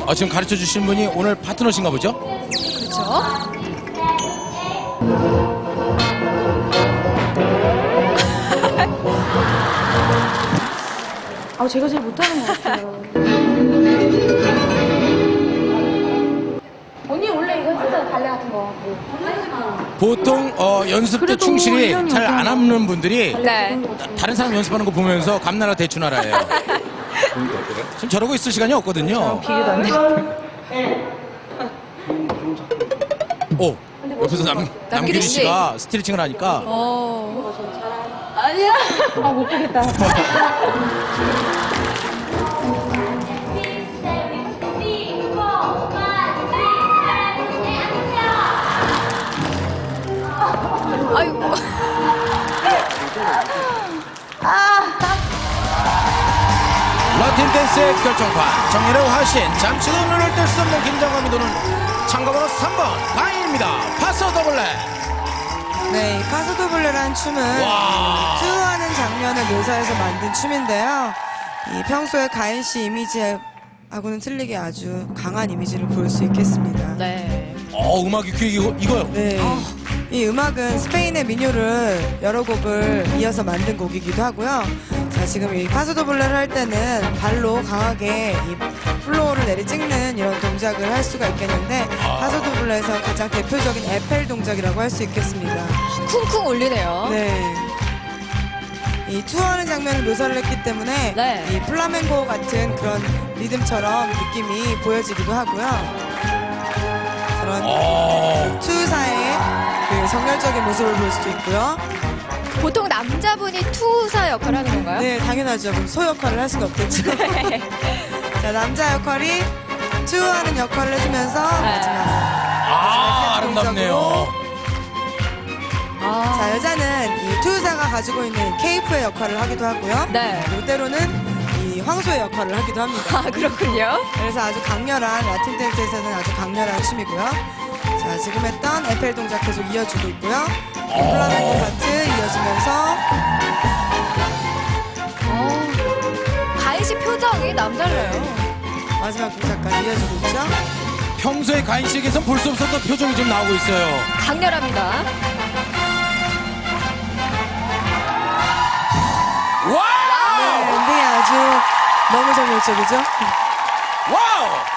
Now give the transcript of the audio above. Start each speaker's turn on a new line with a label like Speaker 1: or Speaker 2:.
Speaker 1: 지금 가르쳐 주신 분이 오늘 파트너신가 보죠?
Speaker 2: 그렇죠.
Speaker 3: 제가 제일 못하는 것 같아요. 언니 원래 이거 진짜 발레 같은 거 뭐.
Speaker 1: 보통 연습 때
Speaker 3: 그래도
Speaker 1: 충실히
Speaker 3: 1년이
Speaker 1: 잘 안 하는 분들이
Speaker 2: 네.
Speaker 1: 다른 사람 연습하는 거 보면서 감나라 대추나라예요. 지금 저러고 있을 시간이 없거든요.
Speaker 3: 비교도 안 돼.
Speaker 1: 오, 옆에서 남규리
Speaker 2: 씨.
Speaker 1: 씨가 스트레칭을 하니까
Speaker 3: 아니야. 못 보겠다.
Speaker 2: 아이고.
Speaker 1: 라틴 댄스의 결정판 정예로 하신 잠시도 눈을 뜰 수 없는 긴장감이 도는 참가번호 3번 바인입니다. 파서 더블렛.
Speaker 4: 네, 이 파소도블레라는 춤은
Speaker 1: 와.
Speaker 4: 투하는 장면을 묘사해서 만든 춤인데요. 이 평소에 가인 씨 이미지하고는 틀리게 아주 강한 이미지를 보일 수 있겠습니다.
Speaker 2: 네.
Speaker 1: 음악이 이거요.
Speaker 4: 네. 이 음악은 스페인의 민요를 여러 곡을 이어서 만든 곡이기도 하고요. 자, 지금 이 파소도블레를 할 때는 발로 강하게 이 플로어를 내리찍는 이런 동작을 할 수가 있겠는데 파소도블레에서 가장 대표적인 에펠 동작이라고 할 수 있겠습니다.
Speaker 2: 쿵쿵 울리네요.
Speaker 4: 네. 이 투어하는 장면을 묘사를 했기 때문에
Speaker 2: 네.
Speaker 4: 이 플라멩고 같은 그런 리듬처럼 느낌이 보여지기도 하고요. 그런 투사의 그 정열적인 모습을 볼 수도 있고요.
Speaker 2: 보통 남자분이 투사 역할을 하는 건가요?
Speaker 4: 네, 당연하죠. 그럼 소 역할을 할 수가 없겠죠. 자, 남자 역할이 투어하는 역할을 해주면서 마지막
Speaker 1: 아름답네요.
Speaker 2: 아,
Speaker 4: 자, 여자는 이 투사가 가지고 있는 케이프의 역할을 하기도 하고요.
Speaker 2: 네.
Speaker 4: 그리고 때로는 이 황소의 역할을 하기도 합니다.
Speaker 2: 아, 그렇군요.
Speaker 4: 그래서 아주 강렬한 라틴 댄스에서는 아주 강렬한 춤이고요. 자, 지금 했던 에펠 동작 계속 이어주고 있고요. 플라멩코 파트 이어지면서
Speaker 2: 가인 씨 표정이 남달라요.
Speaker 4: 마지막 동작까지 이어지고 있죠.
Speaker 1: 평소에 가인 씨에게선 볼 수 없었던 표정이 좀 나오고 있어요.
Speaker 2: 강렬합니다.
Speaker 1: 와우!
Speaker 4: 네, 엔딩이 아주 너무 정열적이죠.
Speaker 1: 와우!